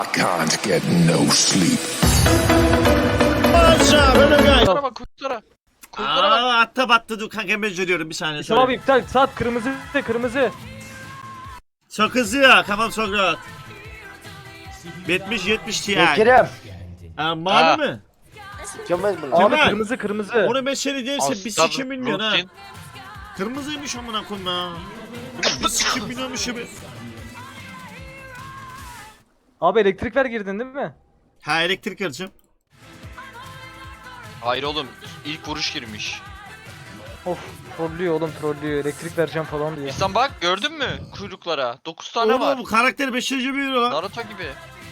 Can't get no sleep. Kuyuklara bak kuyuklara. Kuyuklara bak. Atta battı dur kanka ben görüyorum bir saniye İslam abi sonra. iptal. Saat kırmızı kırmızı. Çok hızlı ya kafam çok rahat. 70 Ti. Bekir'im. Mavi mi? Gömez bunu. Kemal. Abi kırmızı kırmızı. Onu ben seni değilse bir Aslan sikim bilmiyorsun ha. Rutin. Kırmızıymış amına koyayım ya. Bir sikim bilmiyormuş gibi. Abi elektrik ver girdin değil mi? Ha elektrik alacağım. Hayır oğlum ilk vuruş girmiş. Of trollüyor oğlum trollüyor. Elektrik vereceğim falan diyor. İhsan bak gördün mü kuyruklara? 9 tane var. Oğlum bu karakter 5. bir yürü lan. Naruto gibi.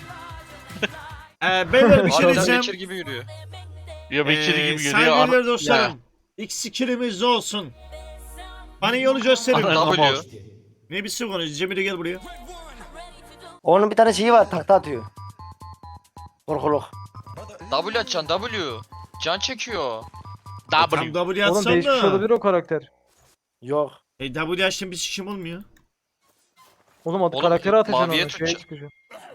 Beyler bir şey Harbiden diyeceğim. Witcher gibi yürüyor. Ya Bekir gibi görüyor. Saygıdeğer dostlarım. X skillimiz olsun. Bana yolu gösterin. Ana. W. Ne bir şey konuş. Cemile gel buraya. Onun bir tane şeyi var, takta atıyor. Korkuluk. W açacaksın W. Can çekiyor. Tam W. W Oğlum atsam değişmiş da. olabilir o karakter. Yok. W açtım bir sikim olmuyor. Oğlum Oğlum, karakteri atacaksın maviye onu. Şeye tutacak. çıkacak.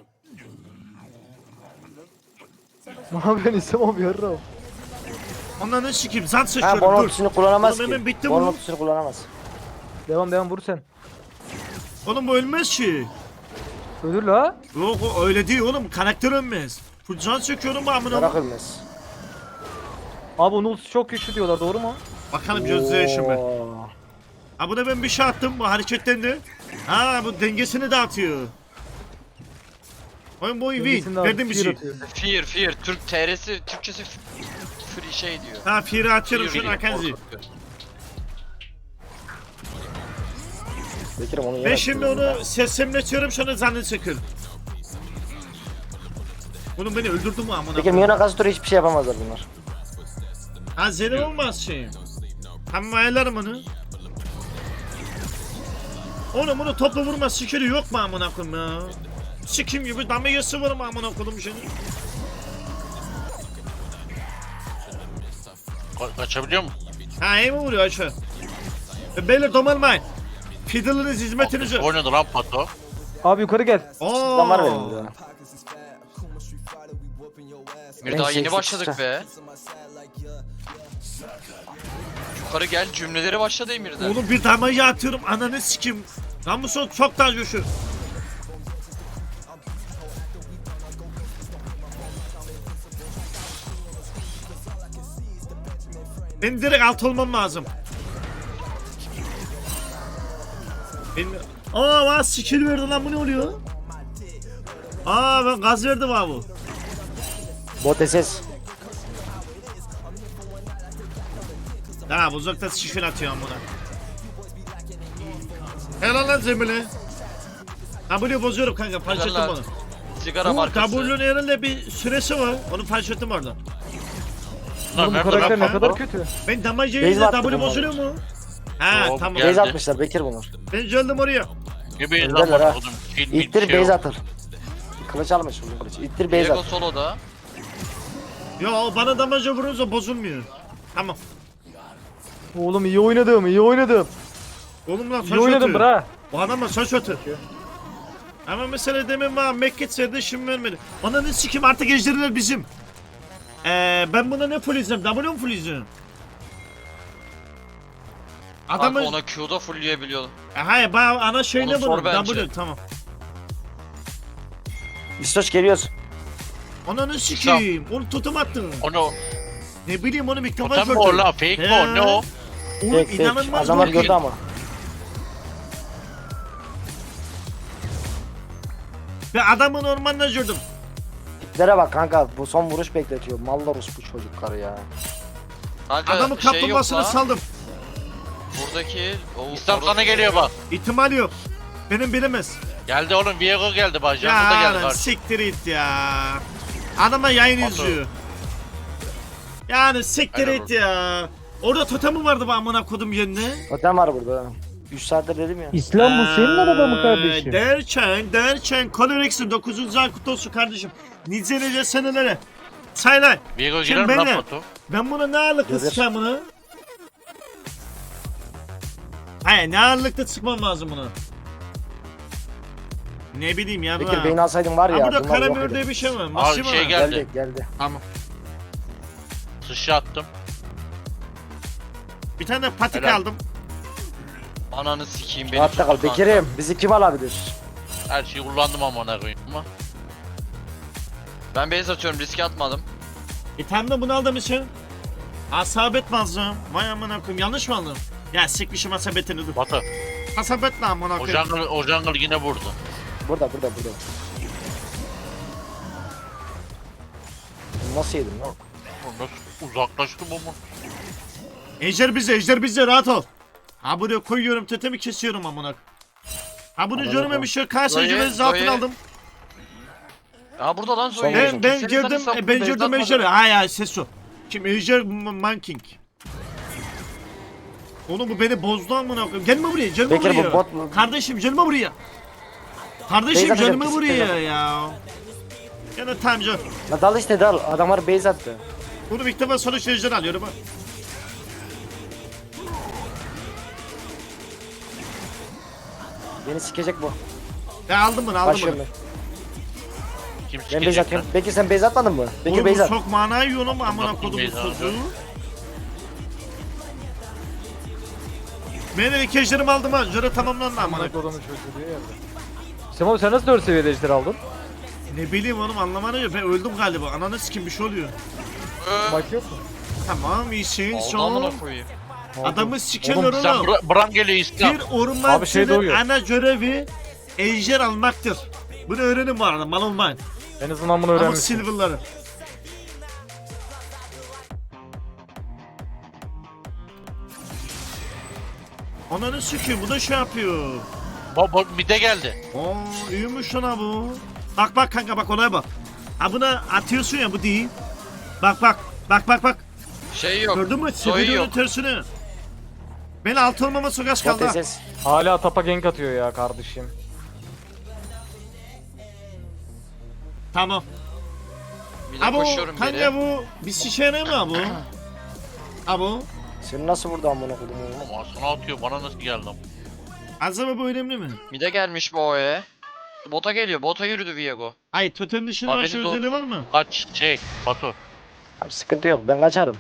Mavi ben İslam abi yarra. Ondan ne sikeyim? Zat Ha sıçıyorum bonus dur. ultisini kullanamaz Oğlum ki. hemen bitti Bonus bu. ultisini kullanamaz. Devam vur sen. Oğlum bu ölmez ki. Ölür la. Yok o öyle değil oğlum. Karakter ölmez. Full can çekiyorum amına. Merak ölmez. Abi onun ultisi çok güçlü diyorlar doğru mu? Bakalım gözle yaşım ben. Oo. Ha buna ben bir şey attım bu hareketlendi. Ha bu dengesini dağıtıyor. Oyun boyu win. Dengesini de Verdim bir fear şey. atıyor. Fear. Türk TR'si Türkçesi free şey diyor. Ha firi atıyorum Fear şunu diyor, Akenzi. korkutuyor. Bekir'im onu Ben yere şimdi onu seslemletiyorum şunu zannet çakır. Bunu beni öldürdü mü amına? Bekir milyona karşı tur hiçbir şey yapamazlar bunlar. Ha zeli olmaz şey. Tamam ayarlarım onu. Oğlum bunu topla vurma sikiri yok mu amına koyayım ya? Sikim gibi damagesi var mı amına koyayım seni? Kaçabiliyor mu? Ha iyi mi vuruyor aşağı? Beyler domalmayın. Fiddle'ınız hizmetinize. Oynadı lan Pato. Abi yukarı gel. Tam var benim de. Bir daha Ben yeni şey başladık sıkıştı. be. Yukarı gel cümleleri başladı Emir'den. Oğlum bir damayı atıyorum ananı sikim. Lan bu son çok daha coşur. Ben direkt alt olmam lazım. Ben... Aa bana skill verdi lan bu ne oluyor? Aa ben gaz verdim abi. Bot SS. Ha uzakta şifre atıyorum buna. Helal lan Cemile. W bozuyorum kanka fark ettim Helal. onu. Sigara Bu markası. W'nun herhalde bir süresi var. Onu fark ettim orada. Lan Oğlum bu nerede karakter lan ne kadar Pato? kötü. Ben damacı Base yiyince attı W bunlar. bozuluyor mu? Ha Yok, tamam. geldi. Base atmışlar Bekir bunlar. Ben geldim oraya. Gibi Önderler zaman ha. oğlum. Kill bir İttir şey base yok. atır. Kılıç almış uzun kılıç. İttir base Diego at. soloda. Ya bana damacı vurunca bozulmuyor. Tamam. Oğlum iyi oynadım iyi oynadım. Oğlum lan İyi saç oynadım atıyor. bra. Bu adamla saç atıyor. Ama mesela demin bana Mekket verdi şimdi vermedi. Bana ne sikim artık ejderiler bizim. Ben buna ne full izleyeyim? W mu full izleyeyim? Adamı... Adamı... ona Q'da fullleyebiliyor. Hayır bana ana şeyle Onu sor bunu. bence. W tamam. İstoç geliyoruz. Ananı sikeyim. Onu tutum attın. Onu Ne bileyim onu mikrofon otan mı o lan? Fake mi o? Ne o? Oğlum Tek tek. inanılmaz Adamlar bu. gördü ama. Ve adamın ormanına gördüm. Tiplere bak kanka. Bu son vuruş bekletiyor. Mallarus bu çocukları ya. Kanka, Adamın şey yok kaplumbağasını la. saldım. Buradaki o İslam sana geliyor bak. İhtimal yok. Benim bilemez. Geldi oğlum Viego geldi bak. Ya Jango da geldi lan bak. siktir it ya. Adama yayın Batu. izliyor. Yani siktir Aynen it ya. Orada totem vardı bu amına kodum yerine. Totem var burada. 3 saattir dedim ya. İslam bu senin araba mı kardeşim? Derken Colorex'in 9. ay kutlu olsun kardeşim. Nice nice senelere. Saylar. Viego Şimdi girer mi lan benle. Pato? Ben buna ne ağırlıklı Gelir. sıkacağım bunu? Hayır ne ağırlıklı sıkmam lazım bunu. Ne bileyim ya. Bekir beyni alsaydın var Ha ya. burada bunlar yok karamür edin. diye bir şey var. Abi Maşı şey var. geldi. Geldi. Tamam. Sıçra attım. Bir tane de patik Helal. aldım. Ananı sikeyim beni. Rahatta kal. tuttu Bekir'im bizi kim alabilir? Her şeyi kullandım amına koyayım ama. Ben base atıyorum, riske atmadım. Bir tane de bunu aldım için. Asabet mazlum. Vay amına koyayım. Yanlış mı aldım? Ya sikmişim asabetini dur. Batı. Asabet ne amına O koyayım? jungle yine vurdu. Burada. Nasıl yedin lan? Nasıl uzaklaştım ama. Ejder bize rahat ol. Ha buraya koyuyorum tetemi kesiyorum amına. Ha bunu Amına görmemiş ya. Karşı Zoe, ejderleri zaten Zoe. aldım. Aa burada lan Son soyuyor. base Ben girdim ejder'i. Ha ses o. Kim ejder manking. Oğlum bu beni bozdu amına koyayım. Gelme buraya, gelme Bekir, bu buraya. bot mu? Kardeşim gelme buraya. Kardeşim Beyza gelme atacak, buraya kesin. ya. Gene tamca. La dal işte dal. Adamlar base attı. Bunu ilk defa sonuç ejder alıyorum ha. Beni sikecek bu. Ya aldım bunu. Başlıyorum ben. Kim Ben base sikecek lan? atıyorum. Bekir sen base atmadın mı? Bekir Oğlum bu base at. çok mana yiyor oğlum amına Bakayım kodumun Beyza çocuğu. alacağım. Ben de ilk ejderimi aldım ha. Jöre tamamlandı amına. Amına kodumun çocuğu diye geldi. Semo sen nasıl 4 seviyede ejder aldın? Ne bileyim oğlum anlamadım ya. Ben öldüm galiba. Ananı sikim bir şey oluyor. Maç yok mu? Tamam iyisin Oldu son. amına koyayım. Adamı sikerler Oğlum sen oğlum. Bran geliyor İslam. Bir Abi şey ormancının doğuyor. ana görevi ejder almaktır. Bunu öğrenin bu arada mal olmayın. En azından bunu Ama öğrenmişsin. silverları. Ananı sikiyor bu da şey yapıyor. Bir de geldi. Oo iyiymiş lan bu. Bak kanka bak olaya bak. Ha buna atıyorsun ya bu değil. Bak. Şey yok. Gördün mü? Zoe Seviyor'un yok. tersini. Ben altı olmama sokaç Bot kaldı. ha. SS. Hala tapa gank atıyor ya kardeşim. Tamam. Bir de Abo koşuyorum kanka geri. bu bir şişene mi bu? Abo. Seni nasıl vurdu amına kodum oğlum? Ama sana atıyor bana nasıl geldi ama. Azaba bu önemli mi? Mide gelmiş bu O'ya. Bota geliyor. Bota yürüdü Viego. Hayır totem dışında Abi başka beni de o- özelliği var mı? Kaç şey Batu. Abi sıkıntı yok ben kaçarım.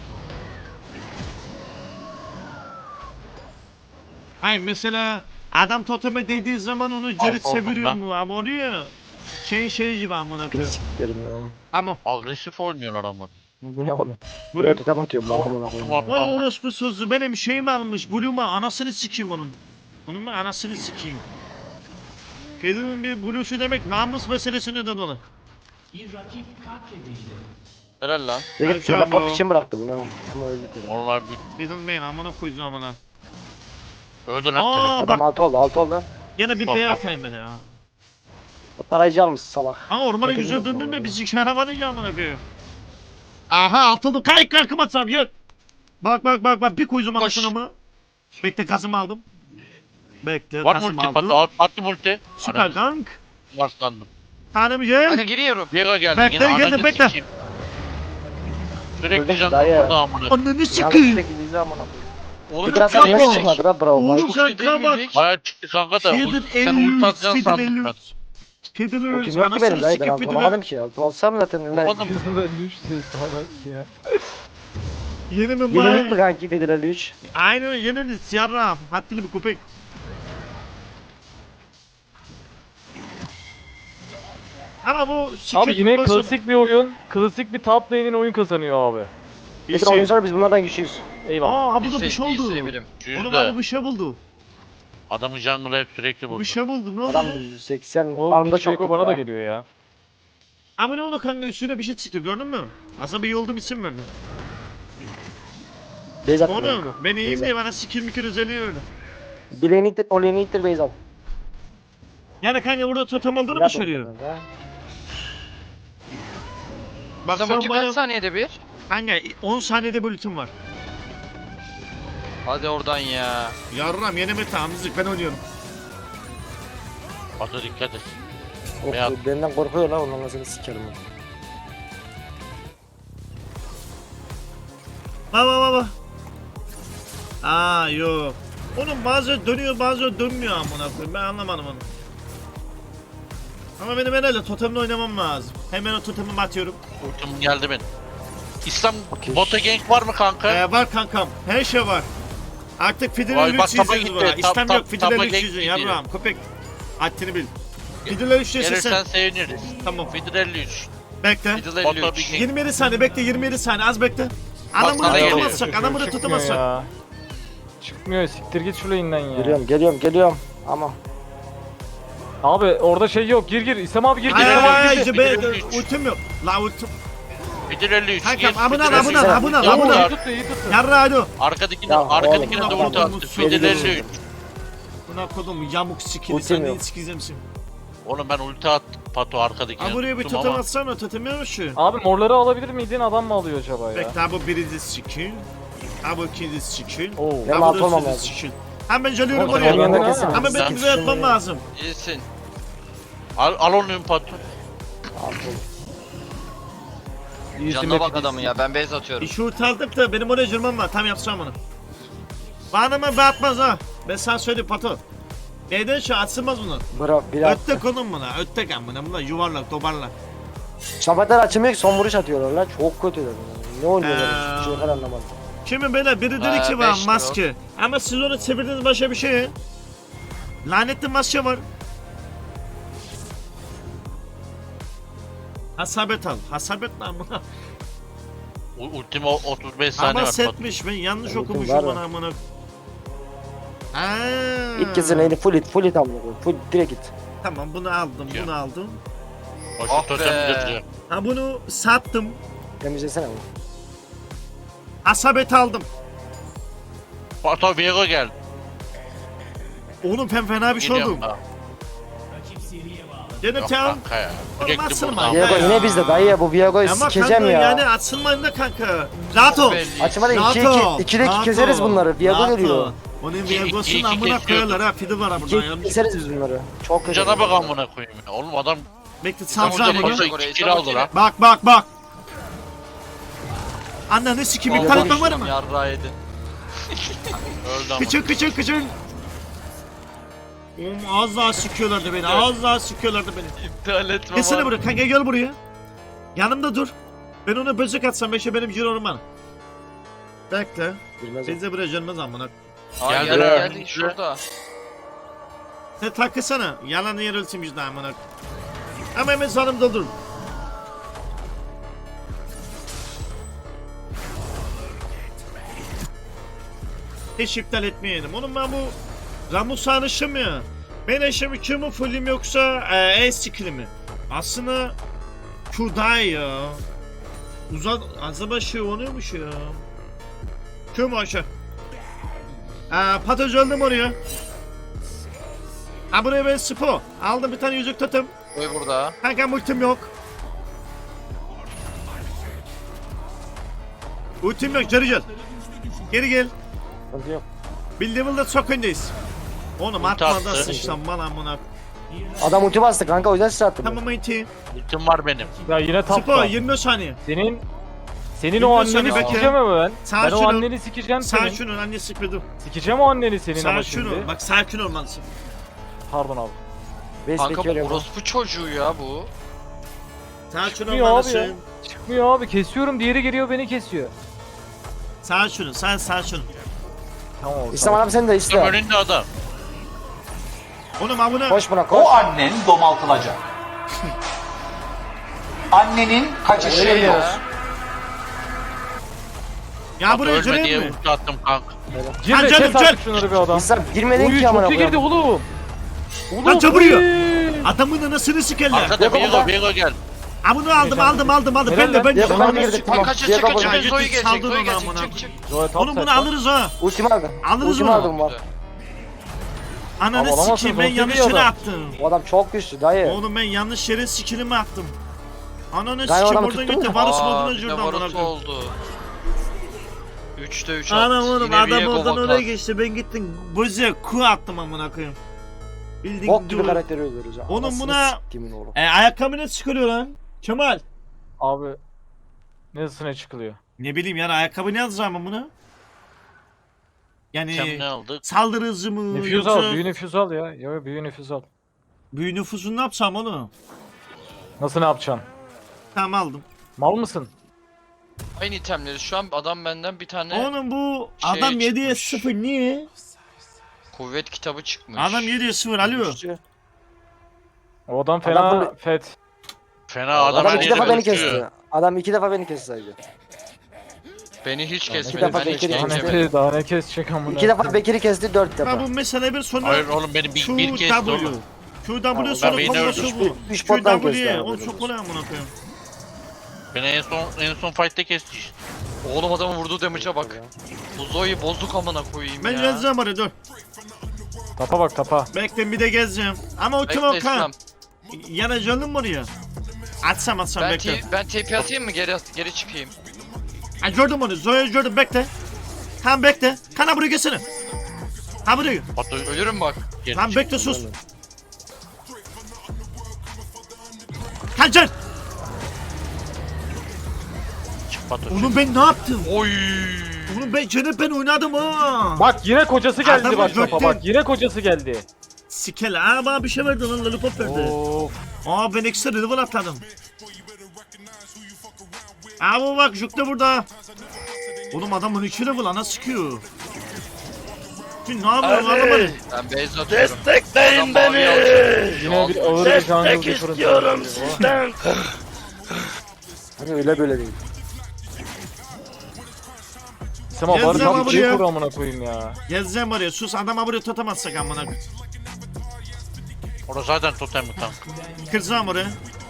Hayır mesela adam toteme değdiği zaman onu geri Al, çeviriyor ben- mu? Ama oluyor. Şey gibi amına Bir koyayım. siktirim ya. Ama Agresif oynuyorlar ama. Bu ne oğlum? Buraya tutam atıyorum lan amına koyayım. vay orospu sözü benim şeyim almış. Blue'ma anasını sikeyim onun. Onun ben anasını sikeyim. Kedinin bir Blue'su demek namus meselesine de dolu. Helal lan. Bekir şöyle bot için bıraktı bunu. Ama öldü. Onlar bir Kedin beyin amına koyacağım amına. öldü lan. Aa Adam bak 6 oldu. yine bir Bak, beyaz bak. kaybede ya. Tarayıcı almış salak. Aa ormana Bakın güzel yok döndün mü orada. bizi şaravanı ya amına koyayım. Aha atıldı kayık kalkım atsam yok. Bak bir koydum Koş. anasını mı? Bekle kazımı aldım. Bekle Var kazımı multi aldım. Batu attı multi. Süper kank. Varslandım. Tanem ye. Kanka giriyorum. Viego geldi. Bekle, Yine geldi, ananı bekle. sikeyim. Sürekli Öldü, can dayı. burada amına. Ananı Yanlış sikeyim. şekilde amına koyayım. Oğlum Bir biraz kanka. nasıl çıkmadı lan bravo. Oğlum Kuş dediğim kanka bak. yürek. Bayağı çıktı kanka da. Kedin Sen ulti atacaksın Kedin sandım ben. Kedin O ölüz. kim yok ki benim dayı ben sikip anlamadım ki. Olsam zaten ben. Oğlum Yüzünden düştü salak ya. Yeni mi Yenilik mi var? kanki dediler 3. Aynen yeni siyarra. Hattili bir köpek. Ama bu Abi yine başı- klasik bir oyun. Klasik bir top lane'in oyun kazanıyor abi. Bir Bekir şey- oyuncular biz bunlardan güçlüyüz. Eyvallah. Aa bu da bir şey oldu. Severim. Oğlum yüzde. abi bir şey buldu. Adamın jungle'ı hep sürekli Bir bozdu. şey buldu ne oldu? Adam 80 O anında bir şey çok bana da geliyor ya. Ama ne oldu kanka üstüne bir şey çıktı gördün mü? Aslında bir yolda isim verdi. Beyzat. Oğlum ben iyiyim diye bana sikir mikir özelliği öyle. Bileğini ittir, oleğini ittir Beyzat. Yani kanka burada totem aldığını mı söylüyor? Bak Sen sen ulti bana kaç saniyede bir? kanka 10 saniyede bir ultim var. Hadi oradan ya. Yarram yeni meta amızlık ben oynuyorum. Batu dikkat et. Of, Beyaz. benden korkuyor lan ondan seni sikerim. Baba. Aa yok. Oğlum bazen dönüyor bazen dönmüyor amına koyayım ben anlamadım onu. Ama benim herhalde totemle oynamam lazım. Hemen o totemimi atıyorum. Ultim geldi benim. İslam Okey. bota gank var mı kanka? Var kankam. Her şey var. Artık Fideler Vay, 3 bak, tapa yüzüyoruz gitti. buna. İstem yok. Fideler Tapa 3 gank yüzüyor. gidiyor. Yarrağım. Köpek. Haddini bil. Fideler 3 yüzüyorsun Gelirsen sen. seviniriz. Tamam. Fidir 53. Bekle. Fiddle Bota 53. bir gank. 27 saniye bekle. 27 saniye. Az bekle. Adam sana bunu geliyor. tutamazsak. Adam bunu Çıkmıyor tutamazsak. ya. Çıkmıyor, siktir git şu lane'den ya. Geliyorum. Ama Abi orada şey yok, gir. İslam abi gir. Ay İslam ay abi ay gir. ay. Fiddle Ben 53. ultim yok. La ultim. Fidir 53. Kankam, Gir, abone ol, Fidir abone ol, 53. abone ol, Ya abone ol. bu İyi ya. tuttu, iyi tuttu. Yarra hadi. Arkadakine Ya, arkadakine de oğlum, ulti attı. Geri Fidir dönüyorum. 53. Buna kodum yamuk sikili. Ultim Sen yok. neyi sikizemsin? Oğlum ben ulti attım Pato arkadakine. Ha buraya bir tuttum totem ama atsana. Totem yok mu şu? Abi morları alabilir miydin? Adam mı alıyor acaba ya? Bekle ha bu birinci skill. Ha bu ikinci skill. Oo. Benim Ha bu alt da olmam üçüncü lazım. skill. Hemen geliyorum Oğlum, oraya. sen yanına kesin. Ama Sen benim bize yapmam lazım. İyisin. al onu Pato. İyisin Canına bak hepiniz. adamın ya. Ben base atıyorum. İşi aldık da benim oraya girmem var. Tam yapacağım onu. Bana mı batmaz ha? Ben sana söyleyeyim Pato. Neyden şu atsılmaz bunu. bırak biraz. Ötte konum buna. Ötte kan buna. Bunlar yuvarlak toparlak. Şafatlar açılmıyor ki son vuruş atıyorlar lan. Çok kötüler bunlar. Ne oynuyorlar? Hiçbir şeyler anlamadım. Şimdi böyle biri dedi ki var 5 lira. maske. Ama siz onu çevirdiniz başka bir şey. Lanetli maske var. Hasabet al. Hasabet ne amına? Ultime 35 saniye Ama var Pato. setmiş. Ben yanlış Ultim okumuşum var bana ya. amına. İlk kez neydi? Full it amına koyayım. Full direkt git. Tamam bunu aldım. Ya. Bunu aldım. Boş Ah totem be. götürüyor. Ha bunu sattım. Temizlesene bunu. Hasabet aldım. Pato Viego gel. Oğlum ben fena bir şey oldum. Geliyorum daha. Gene Yok tamam. kanka ya. Oğlum Sürekli atsana buradan. ya. Viego yine bizde dayı ya. Bu Viego'yu Ama sikeceğim kanka ya. yani atılmayın da kanka. Rahat ol. Belli. Açmadan Rahat 2'de ol. 2 2'de Rahat keseriz ol. bunları. Viego Rahat geliyor. ol. Onun İki- Viego'sunu iki amına kesiyordu. koyuyorlar ha. Fiddle var ha buradan 2 yanlış. keseriz biz bunları. Çok kötü. Cana bak amına koyayım ya. Oğlum adam Bekle Tamam, salacağım gel, bunu. gel. Pato oraya, 2 kill çabuk aldı gel. lan. Bak. Anne ne sikim iptal etmem var mı? Yarrağı yedin. Öldü ama. Kıçın. Oğlum az daha sıkıyorlardı beni. Az daha sıkıyorlardı beni. İptal etme Gelsene var. buraya kanka gel buraya. Yanımda dur. Ben ona böcek atsam beşe benim cirorum var. Bekle. Bilmez o. Bize buraya gelmez amına. Aa Geldi geldi lan. geldi şurada. Sen takılsana. Yalan yer ölçüm yüzde amına. Ama hemen sanım doldurun. Hiç iptal etmeyelim. Onun ben bu Ramus anışım ya. Ben eşimi Q mu fullim yoksa E skill'i mi? Aslında Q daha iyi ya. Uzat acaba şey oluyormuş ya. Q mu aşağı? Patoz öldüm oraya. Ha buraya ben spo. Aldım bir tane yüzük totem. Koy burada. Kanka ultim yok. Ultim yok geri gel. Geri gel. Sıkıntı yok. Bir level'da çok öndeyiz. Oğlum Ulti atma da attı. sıçtan bana amına. Adam ulti bastı kanka o yüzden size attım. Tamam iti. Ultim var benim. Ya yine Spo tapta. 20 saniye. Senin Bilmiyorum o seni anneni bekle. sikeceğim ama ben. Sağ Ben o şunu. anneni sikeceğim Sağ senin. şunu anne sıkmadım. Sikeceğim o anneni senin Sağ ama şunu. şimdi. Bak sakin olmalısın. Pardon abi. Base'deki Kanka öyle bu bu. orospu çocuğu ya bu. Sakin Çıkmıyor abi ya. olmalısın. Çıkmıyor abi, kesiyorum, diğeri geliyor beni kesiyor. Sağ şunu. Sağ şunu. Tamam abi. İslam abi sen de Tam iste. önünde adam. Oğlum amına. Koş buna koş. O annen domaltılacak. Annenin kaçışı Öyle yok. ya. Ya Pato buraya ölme diye gireyim mi? ulti attım kanka. Girme, Ha, canım, kes artık gel. şunları bir adam. İslam girmedin Oy ki amına çok iyi girdi koyayım. oğlum. Oğlum Lan çabırıyor. oy. Adamın anasını sikerler. Arkada Viego burada. Viego gel. Ha bunu aldım. Ben Helal de lan. ben de. Viego bana girdik Bak tamam. kaçır Viego çık burada. kaçır. Zoe Saldırın gelecek. Zoe ona gelecek. amına. Çık çık. Zoe top Oğlum bunu side. alırız ha. Ultimi aldı. Alırız Ultimi bunu. aldım bak. Ananı Abi alamazsın, sikeyim ben ulti yanlış bir yere adam. attım. O adam çok güçlü dayı. Oğlum ben yanlış yere skillimi attım. Ananı Galiba sikeyim adamı oradan tuttun gitti. mu? Varus Aa, moduna bir de girdi amına Varus koyayım. oldu. 3'te 3 Anam attı. oğlum Yine adam Viego oradan vaka. oraya geçti. Ben gittim. Bozuya ku attım amına koyayım. Bildiğin Bok gibi dur. karakteri öldürürüz. ya. Oğlum Anasını buna- siktiğimin oğlu. Ayakkabı ne çıkarıyor lan? Kemal. Abi. Nesine çıkılıyor? Ne bileyim yani ayakkabı ne yazacağım ben buna? Sen Yani ne aldık? saldırı hızı mı Nüfuz yoksa al, büyü nüfuz al ya. Yo büyü nüfuz al. Büyü nüfusunu ne yapsam oğlum? Nasıl ne yapacaksın? Tamam aldım. Mal mısın? Aynı itemleri şu an adam benden bir tane Oğlum bu Şey adam 7'ye çıkmış. 0 niye? kuvvet kitabı çıkmış. Adam 7'ye 0 alıyor. O adam Adam fena böyle- fet. Fena adam Adam her 2 yeri defa beni gözüküyor. kesti. Adam 2 defa beni kesti sadece. Beni hiç İki kesmedi. defa Ben hiç bekledim. Daha geçemedim. ne, daha ne kesecek amına. 2 defa Bekir'i kesti 4 Ha defa. bu mesela bir sonra Hayır oğlum benim bir kesti QW. oğlum. QW sonra beni kombosu öldürdüm. bu. Üç bottan QW. kesti abi, Oğlum böyle çok kolay amına koyayım. Beni en son fight'te kesti işte. Oğlum adamın vurduğu damage'a bak. Bu Zoe'yi bozduk amına koyayım Ben ya. gezeceğim oraya dur. Tapa bak tapa. Bekle bir de gezeceğim. Ama o kim Bekle o İslam. kan? Yanacağım mı oraya? Atsam bekle. Ben TP atayım mı geri çıkayım? Ha gördüm onu. Zoya gördüm bekle. Tamam bekle. Kana buraya gelsene. Ha buraya. Batu Ölürüm bak. geri Tamam çık. bekle sus. Kaçın. Çık Batu. Oğlum ben ne yaptım? Oy. Oğlum ben Cennet ben oynadım ha. Bak yine kocası geldi Adamı bak tapa gökten- bak yine kocası geldi. Sikel. Aa bana bir şey verdi lan lollipop verdi. Of. Aa ben ekstra level atladım. Aa bu bak Juk da burada. Oğlum adam 12 level ana sıkıyor. Şimdi ne yapıyorsun anlamadım. Ben base atıyorum. Destekleyin beni. Yine bir ağır bir jungle difference. Hani öyle böyle değil. Sema bari Yazdım tam ama şey buraya. kur amına koyayım ya. Gezeceğim oraya sus adama buraya tutamazsak amına. Orası zaten totem mi kanka? Kıracağım oraya.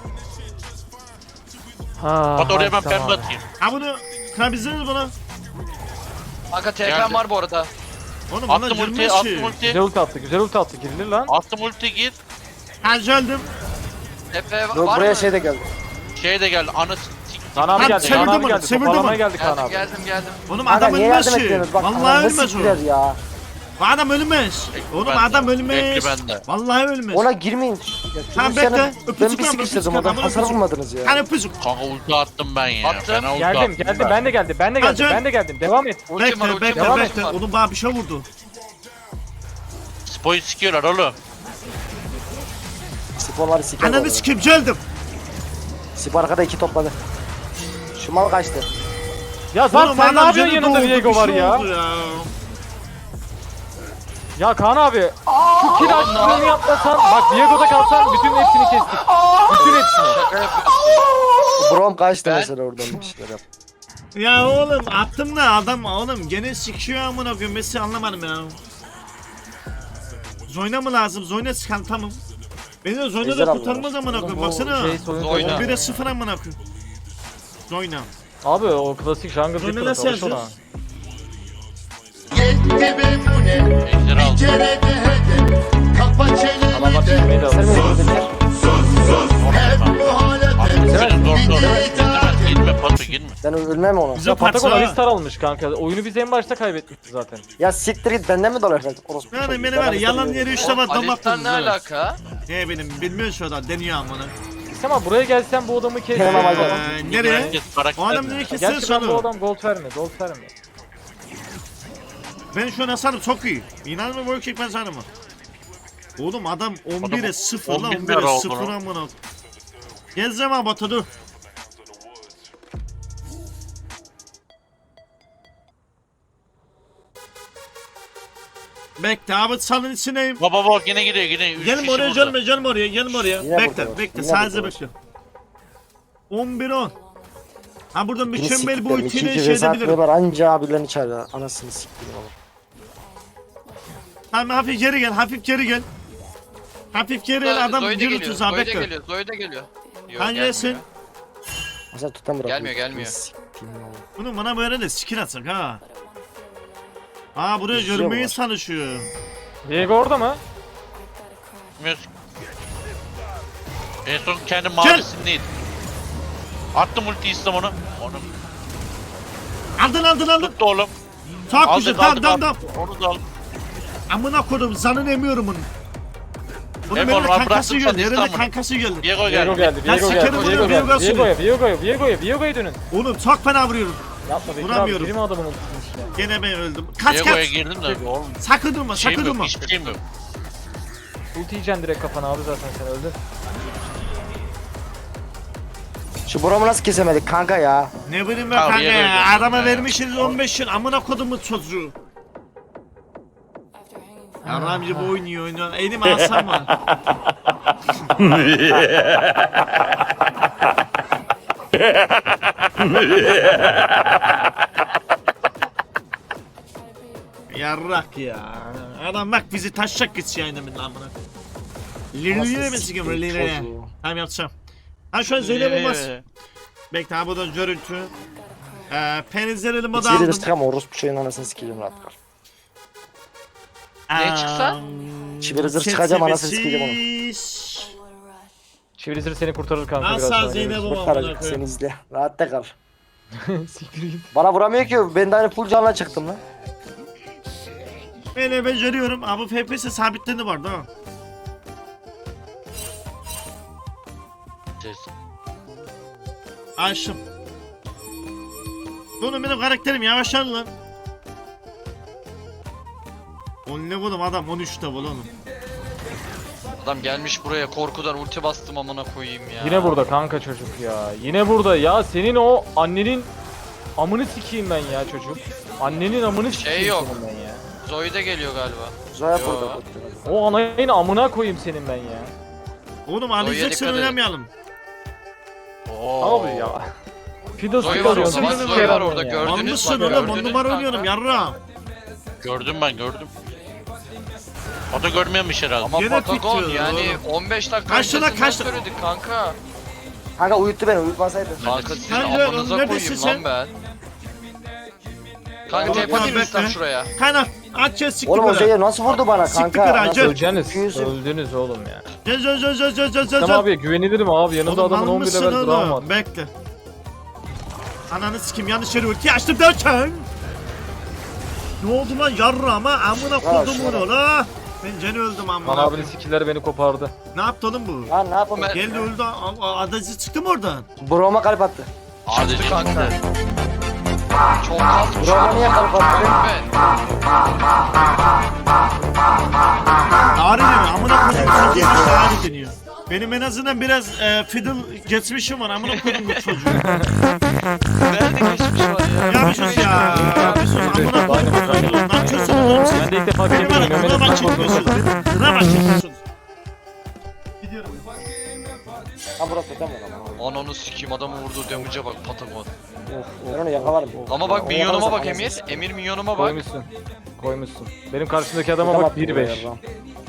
Ha. Batu oraya ben tamam. pembe atayım. Ha bunu kırabilirsiniz bunu. Kanka TP'm Geldi. var bu arada. Oğlum bana Attım ulti, girmez attım ki. ulti. Güzel ulti attı güzel ulti attı girilir lan. Attım ulti gir. Ha öldüm. TP Yok var buraya mı? şey de geldi. Şey de geldi. Anı Kaan abi Lan geldi çevirdim Kaan abi onu, geldi. çevirdim Toparlamaya onu. geldi Kaan Geldim abi. geldim. Oğlum Kanka adam niye ölmez yardım ki. etmiyorsunuz? Bak Vallahi ananı ölmez o. siktiler ya. Bu adam ölmez. Oğlum bende. adam ölmez. Bekli bende. Vallahi ölmez. Ona girmeyin. Ya, Tamam, Lucian'ı bekle. Ben Öpücük bir lan, sıkıştırdım öpücük adam. lan, Hasar öpücük. vurmadınız ya. Hani öpücük. Kanka ulti attım ben ya. Attım. Fena ulti Geldim attım geldim ben de geldim ben de geldim Hadi. ben de geldim. Devam et. Ultim var Bekle ultim bekle var. bekle. Oğlum bana bir şey vurdu. Spoyu sikiyorlar oğlum. Sporları siker. Ananı sikeyim geldim. Spor arkada 2 topladı. Şu mal kaçtı. Ya Zart Oğlum sen ne adam yapıyorsun canı yanında doldu, Viego bir var şey ya. oldu ya. Ya Kaan abi şu kill açtığını yapmasan bak Viego'da kalsan bütün hepsini kestik. Bütün hepsini. Şaka yapıyorsun. Brom kaçtı Ben- mesela oradan bir şeyler yap. Ya oğlum attım da adam oğlum gene sikiyor amına koyayım. Mesela anlamadım ya. Zoyna mı lazım? Zoyna sıkan tamam. Beni de Zoyna Ejder da aldılar. kurtarmaz amına koyayım. Baksana. Şey, soyun Zoyna. soyun. 11'e 0 amına koyayım. Zoyna. Abi o klasik jungle Zoyna difference nasıl alış ona. yazacağız? Ejderi aldım. Adamlar çizmeyi de Sen alır. mi yapıyorsun? Aferin zor zor. Girme Batu girme. Ben ölmem onu. Bize Ya Patagon parça. Alistar almış kanka. Oyunu biz en başta kaybetmişiz zaten. Ya siktir git benden mi dolar verdin? Orospu Yani çocuğu. beni Ben var ya, Alistar'ı yalan yiyorum. yere 3 defa damak Alistan ne tadınız. alaka? Ne benim bilmiyor şu adam deniyor amına. Ama buraya gelsen bu adamı kes. Tamam, hadi. Nereye? Herkes karakter O adam mi? nereye kesin Gerçi ben bu sonu. adam gold verme, gold verme. Ben şu an hasarım çok iyi. İnanma work ben sanırım. Oğlum adam 11'e 0 lan 11 11'e oldu 0 lan. amına. Gezeceğim abi Batu dur. Bekle abi salın içindeyim. Baba bak yine gidiyor yine. Üç Gelin kişi oraya burada. gelme oraya gelme oraya. Yine Bekle burada. bekle Yine sadece burada. bekle. 11-10. Ha buradan Beni mükemmel bu siktiler. ultiyle 2-2 şey vs edebilirim. atmıyorlar anca abilerini çağırıyor. Anasını siktir oğlum. Tamam hafif geri gel hafif geri gel. Hafif geri gel adam Zoe de yürü geliyor. tuzağa Zoe de bekle. geliyor. Zoe de geliyor. Yok, Hangisin? gelmiyor. Mesela tutan bırakıyor. Gelmiyor, gelmiyor. Siktir oğlum. Bunu bana böyle de skill atsak ha. Aa buraya İzliyor görünmeyi mu? çalışıyor. Viego orada mı? Bilmiyoruz. En son kendi mavisindeydi. Attım ulti İslam onu. Onu Aldın. tuttu oğlum. Çok güzel Aldık tamam. aldık. Onu da al. Amına koydum zanını emiyorum bunu. Bunun Em yerine oğlum, kankası bıraktım geldi. sen Yerine İstanbul'u. kankası geldi. Diego Viego geldi. geldi, Ya Viego sikerim geldi, bunu, Viego Viego geldi. seni. Viego'ya dönün. Oğlum çok fena vuruyorum. Yapma Bekir abi, Vuramıyorum. girme adamın ultisinin içine. Gene ben öldüm. Kaç Diego'ya kaç. girdim de oğlum. Sakın durma Şeyim sakın yok, durma. hiçbir şeyim yok. Ulti yiyeceksin direkt kafana abi zaten sen öldün. Şu Brom'u nasıl kesemedik kanka ya? Ne bileyim ben Abi, kanka yere ya. öldürdün Adama ya. vermişsiniz 15 yıl. Amına kodumun çocuğu. Ya Ramzi bu oynuyor. Elim alsam mı? Yarrak ya. Adam bak bizi taşacak gitsin yayınımın lan buna. Lirliye mi sikim lirliye? Çocuğu. Tamam yapacağım. Ha şu an Zeynep olmaz. Bekle ha bu da görüntü. Penizleri moda İçeri de aldım. sıkam orospu çocuğun anasını sikeceğim rahat kal. Ne çıksa? Çiviri zırh çıkacağım anasını sikeceğim onu. Çivilizir seni kurtarır kanka biraz Asla sonra. Zeynep görürsün. olmam. Kurtaracak seni izle. Rahat da kal. Siktir git. Bana vuramıyor ki ben de hani full canla çıktım lan. Ben de beceriyorum. Ha bu FPS sabitlendi vardı ha. Açtım. Bunu benim karakterim yavaşlar lan. On ne oğlum adam 13'te oğlum. Adam gelmiş buraya korkudan ulti bastım amına koyayım ya. Yine burada kanka çocuk ya. Yine burada ya senin o annenin amını sikeyim ben ya çocuk. Annenin amını sikeyim yok. senin ben ya. Zoe de geliyor galiba. Zoya Yo. burada. O anayın amına koyayım senin ben ya. Oğlum Zoe'ye alacaksın dikkat et. oynamayalım. Oo. Abi ya. Fidos Zoe var orada Zoe bak var, Zoe var orada gördünüz Anlısın bak oğlum 10 gördünüz numara kanka. oynuyorum yarra. Gördüm ben gördüm. O da görmemiş herhalde. Ama Gene Patagon tutuyor yani oğlum. 15 dakika Kaç lira, öncesinden kaç lira? söyledik kanka. Kanka uyuttu beni uyutmasaydı. Kanka sizin Kanka, amanıza neredesin koyayım sen? lan ben. Kanka Oğlum, tep atayım bekle. üstten şuraya. Kaynak aç ya siktir Oğlum o böyle. Zoya nasıl vurdu bana Siktir kanka? kıran, Nasıl- gel. Öleceğiniz. Yüzü- Öldünüz oğlum ya. Gel. Tamam abi güvenilirim abi. Yanında Oğlum adamın mal 11 mısın level dram var. oğlum? Bekle. Ananı sikim yanlış yere ulti açtım derken. Ne oldu lan yarra ama amına kodum şuna. bunu la. Ben Ceni öldüm Lan amına. abinin skill'leri beni kopardı. Ne yaptı oğlum bu? Lan ne yapalım? Ben- Geldi öldü adacı çıktı mı oradan? Brom'a kalp attı. Sadece kanka. Çok az. Brom'a niye kalp attı? Ben. Ağrı deniyor amına kodum çocuğu işte ağrı deniyor. Benim en azından biraz fiddle geçmişim var amına kodum bu çocuğu. Nerede geçmiş var ya? Ya bir sus ya. Bir sus amına kodum bu çocuğu. Ne yapıyorsun oğlum siz? Ben de ilk defa Benim görüyorum. bana Mehmet'e drama sen korkuyorsun. çekiyorsunuz. Drama çekiyorsunuz. Gidiyorum. Ha burası tutam o zaman. Ananı sikeyim adamı vurduğu damage'e bak Patagon. Ben onu yakalarım. Ama bak Onu minyonuma yakalarsan bak Emir. anasını Emir minyonuma bak. Koymuşsun. Koymuşsun. Benim karşımdaki adama Tutam bak attı 1-5. buraya lan.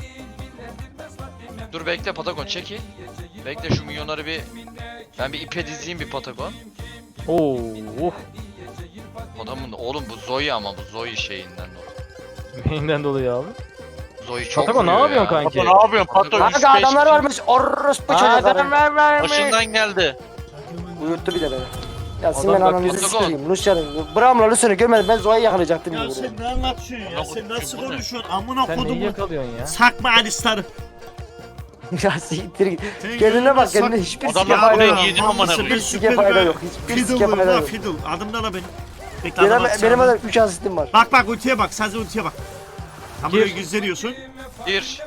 Dur bekle Patagon çekil. Bekle şu minyonları bir... Ben bir ipe dizeyim bir Patagon. Oo. Adamın oğlum bu Zoe ama bu Zoe şeyinden dolayı. Neyinden dolayı abi? Zoe çok Patagon ne vuruyor yapıyorsun ya. kanki? Pato ne yapıyorsun? Pato Kanka adamlar varmış orospu çocukları. Başından geldi. Uyuttu bir de beni. Ya Adam senin bak, ananızı Patagon. sikeyim. Lucian'ın. Bram'la Lucian'ı görmedim ben Zoya'yı yakalayacaktım. Ya gibi sen buraya. ne anlatıyorsun ya? Sen nasıl Bu ne? konuşuyorsun? Amına Sen neyi kodumu. yakalıyorsun ya? Sakma alistarı. Ya siktir git. Senin Kendine bak gözüne kendine sak- hiçbir Adamlar sike fayda buraya yok. yedi amına Hamısı koyayım. bir Sike fayda yok. Hiçbir sike fayda yok. Fiddle. Adımda da benim. Bekle Benim, adam atsana. benim adam 3 asistim var. Bak ultiye bak. Sadece ultiye bak. Tam Gir. buraya gösteriyorsun. Bir.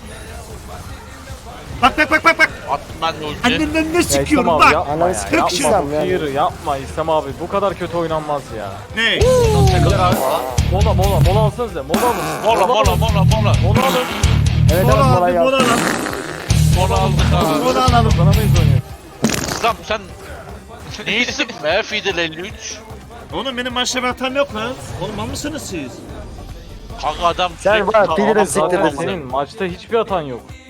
Bak. Attım ben de ulti. Annenden ne Ya İslam sikiyorum abi bak. yapma Ananı ya. sikeyim Yapma İslam yani. Hayır yapma İslam abi. Bu kadar kötü oynanmaz ya. Ne? Takılır abi. Mola alsanıza. Mola alın. Mola. Mola alın. Evet Mola evet abi molayı mola al. alalım. Mola aldık abi. Mola alalım. Kazanamayız oyunu. İslam sen neysin be Fidel 53? Oğlum benim maçta bir hatam yok lan. Oğlum mal mısınız siz? Kanka adam Sen sürekli bak, Fidel'e adam- siktir Zaten dedin. senin maçta hiçbir hatan yok.